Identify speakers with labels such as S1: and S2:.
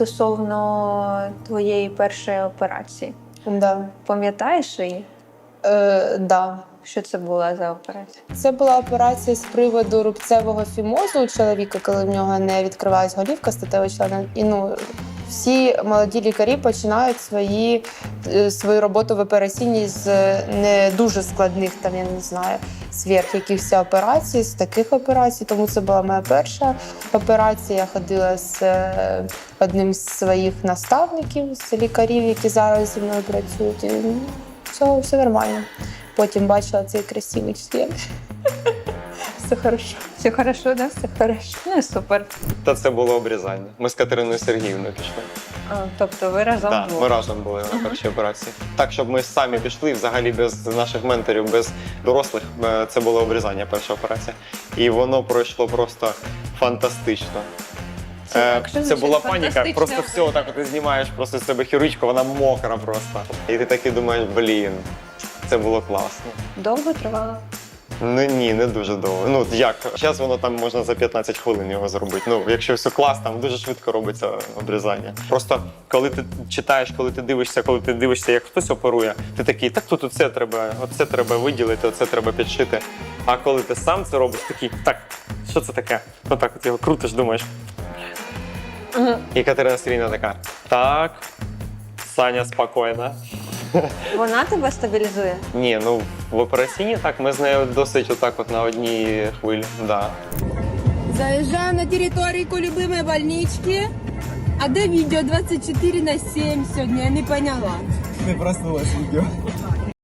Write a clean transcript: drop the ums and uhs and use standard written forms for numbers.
S1: стосовно твоєї першої операції.
S2: Да.
S1: Пам'ятаєш її?
S2: Да.
S1: Що це була за операція?
S2: Це була операція з приводу рубцевого фімозу у чоловіка, коли в нього не відкривалась голівка статевого члена. І всі молоді лікарі починають свою роботу в операційній з не дуже складних, там, я не знаю, сверх якихось операцій, з таких операцій. Тому це була моя перша операція. Я ходила з одним з своїх наставників, з лікарів, які зараз зі мною працюють. І, все нормально. Потім бачила цей красивий член. Все хорошо.
S1: Все хорошо, да? Все хорошо. Ну, супер.
S3: Та це було обрізання. Ми з Катериною Сергіївною пішли.
S1: Тобто ви разом
S3: Так,
S1: двох?
S3: ми разом були на першій операції. Так, щоб ми самі пішли, взагалі без наших менторів, без дорослих, це було обрізання, перша операція. І воно пройшло просто фантастично. Це була паніка, просто все отак ти знімаєш просто з себе хірургічку, вона мокра просто. І ти такий думаєш, блін, це було класно.
S1: Довго тривало?
S3: Ну ні, не дуже довго. Ну як, зараз воно там можна за 15 хвилин його зробити. Ну, якщо все клас, там дуже швидко робиться обрізання. Просто коли ти читаєш, коли ти дивишся, як хтось оперує, ти такий, так тут оце треба виділити, оце треба підшити. А коли ти сам це робиш, такий, так, що це таке? Отак от його крутиш, думаєш. І Катерина Сергіївна така, так, Саня, спокійно.
S1: Вона тебе стабілізує?
S3: Ні, ну в операційній так, ми з нею досить отак от на одній хвилі, да.
S4: Заезжаем на территорию любимой больнички. А де відео 24/7 сьогодні? Я не поняла.
S5: Не проснулась відео.